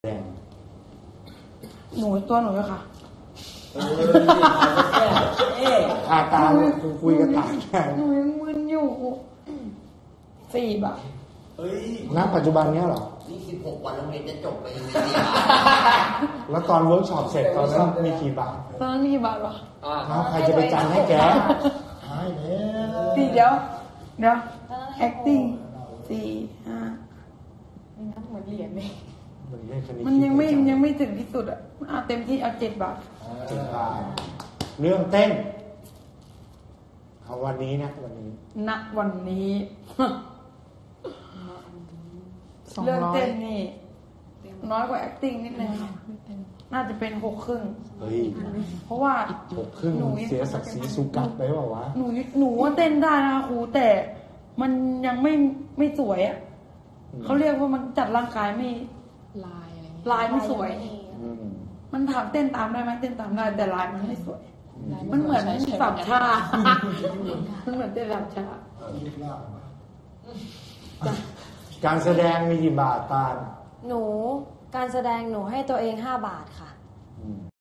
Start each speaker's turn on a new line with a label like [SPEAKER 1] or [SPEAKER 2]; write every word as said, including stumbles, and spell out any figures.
[SPEAKER 1] แดง
[SPEAKER 2] หนูตัวหนูเลยค่ะ
[SPEAKER 1] เออเอ๊ะอาตาคุยกับตาแดง
[SPEAKER 2] หนูยังมึนอยู่สี่บาท
[SPEAKER 3] เฮ้ย
[SPEAKER 1] ณปัจจุบันเนี้ยเหรอ
[SPEAKER 3] นี่สิบหกวันโรงเรียนจะจบไปยังไง
[SPEAKER 1] แล้วตอนเวิร์กช็อปเสร็จตอนนั้นมีกี่บาท
[SPEAKER 2] ตอนนั้นมีกี่บาทวะ
[SPEAKER 1] อ้าวใครจะไปจันให้แกหายแล้ว
[SPEAKER 2] สี่เดี๋ยวเดี๋ยว acting สี่ห้า
[SPEAKER 4] ไม่นับเหมือนเหรียญเลย
[SPEAKER 1] มันเลขคณิต
[SPEAKER 2] มันยังไม่ยังไม่ถึงที่สุดอ่ะเอาเต็มที่เอาเจ็ดบาท
[SPEAKER 1] เจ็ดบาทเรื่องเต้นเอาวันนี้นะวันนี้
[SPEAKER 2] ณวันนี้
[SPEAKER 4] สอง
[SPEAKER 2] เรื่อง
[SPEAKER 4] ร้อย
[SPEAKER 2] เต้นนี่ น้อยกว่า acting นิดนึงค่ะน่าจะเป็นหกครึ่ง
[SPEAKER 1] เฮ้ย
[SPEAKER 2] เพราะว่า
[SPEAKER 1] หกครึ่งเสียศักดิ์ศรีสุกัดไปเปล่าวะ
[SPEAKER 2] หนูหนูว่าเต้นได้นะคะครูแต่มันยังไม่ไม่สวยอ่ะเขาเรียกว่ามันจัดร่างกายไม่
[SPEAKER 4] ลายอะไรเงี้ย
[SPEAKER 2] ลายไม่สวย
[SPEAKER 1] อืม
[SPEAKER 2] มันถามเต้นตามได้ไหมเต้นตามได้แต่ลายมันไม่สวย
[SPEAKER 4] ลาย
[SPEAKER 2] มันเหมือน
[SPEAKER 4] ใช้ใช้
[SPEAKER 2] สามชา มันเหมือนเต้นสามชา
[SPEAKER 1] การแสดงมีกี่บาทตาล
[SPEAKER 5] หนูการแสดงหนูให้ตัวเองห้าบาทค่ะ